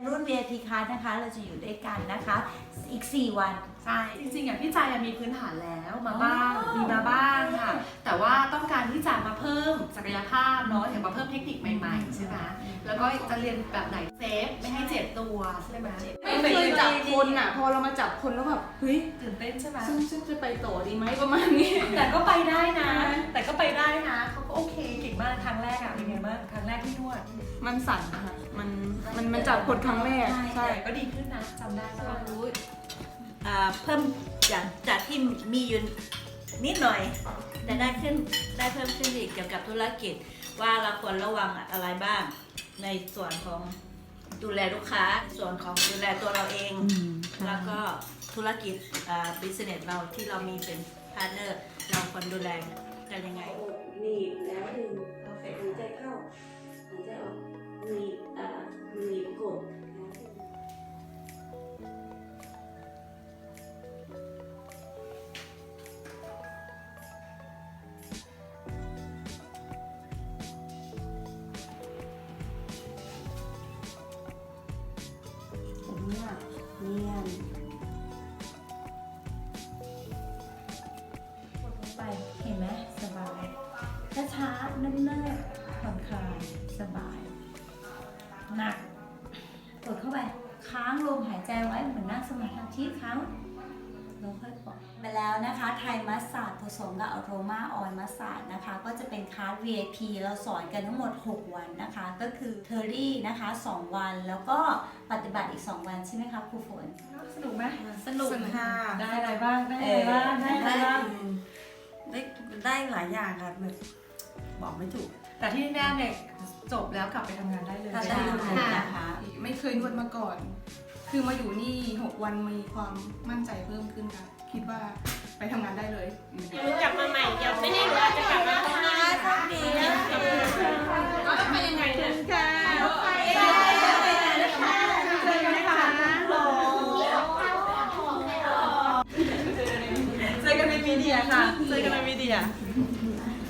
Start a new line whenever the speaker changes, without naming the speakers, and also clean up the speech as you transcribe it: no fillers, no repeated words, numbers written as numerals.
รุ่น VIP Card นะคะเราจะอยู่ด้วยกันนะคะอีก4 วัน
ใช่จริงๆอย่างพี่ใจมีพื้นฐานแล้วมาบ้างมีมาบ้างค่ะแต่ว่าต้องการที่จะมาเพิ่มศักยภาพเนาะอย่างมาเพิ่มเทคนิคใหม่ๆใช่ไหมแล้วก็จะเรียนแบบไหนเซฟไม่ให้เจ็บตัวใช่ไหม
ไม่เคยจับคนอ่ะพอเรามาจับคนแล้วแบบเฮ้ย
ตื่นเต้นใช่ไหม
ซึ่งจะไปต่อดีไหมประมาณนี้
แต่ก็ไปได้นะเขาก็โอเคเก่งมากครั้งแรกอะเป็นไงบ้างครั้งแรกที่นวด
มันสั่นนะคะมันจับคนครั้งแรกใช่
แต่ก็ดีขึ้นนะจำได้ป่ะ
เพิ่มจากที่มีอยู่นิดหน่อย แต่ได้เพิ่มขึ้นอีกเกี่ยวกับธุรกิจว่าเราควรระวังอะไรบ้าง ในส่วนของดูแลลูกค้าส่วนของดูแลตัวเราเอง แล้วก็ธุรกิจบิสเนสเราที่เรามีเป็นพาร์ทเนอร์เราควรดูแลกันยังไง
หนีบแล้วดึงหายใจเข้าหายใจออกหนีบกดเนียน
กดลงไปเห็นไหมสบายช้าๆเนิ่มๆผ่อนคลายสบายหนักกดเข้าไปค้างลมหายใจไว้เหมือนนั่งสมาธิค้างแล้วค่อยปล่อยมาแล้วนะคะไทยมัสสาดผสมกับอโรมาออยล์มัสสาดนะคะก็จะเป็นคลาส VIP เราสอนกันทั้งหมด6 วันนะคะก็คือเทอรี่นะคะ2 วันแล้วก็ปฏิบัติอีก2 วันใช่ไหมคะครูฝน
สนุกไหม
สนุกค่ะ
ได้อะไรบ้างได้อะไรบ้างได้อะไรบ้าง
ได้หลายอย่างค่ะแบบบอกไม่ถูก
แต่ที่แน่เนี่ยจบแล้วกลับไปทำงานได้เลย
ใช่นะคะ
ไม่เคยนวดมาก่อน คือมาอยู่นี่6 วันมีความมั่นใจเพิ่มขึ้นค่ะคิดว่าไปทำงานได้เลย
กลับมาใหม่เดี๋ยวไม่แน่หนูอาจจะกลับมาตรงนี้
ก็ต้องไปยังไงเนี่ย
เจอกันในมีเดียค่ะเจอกันในมีเดีย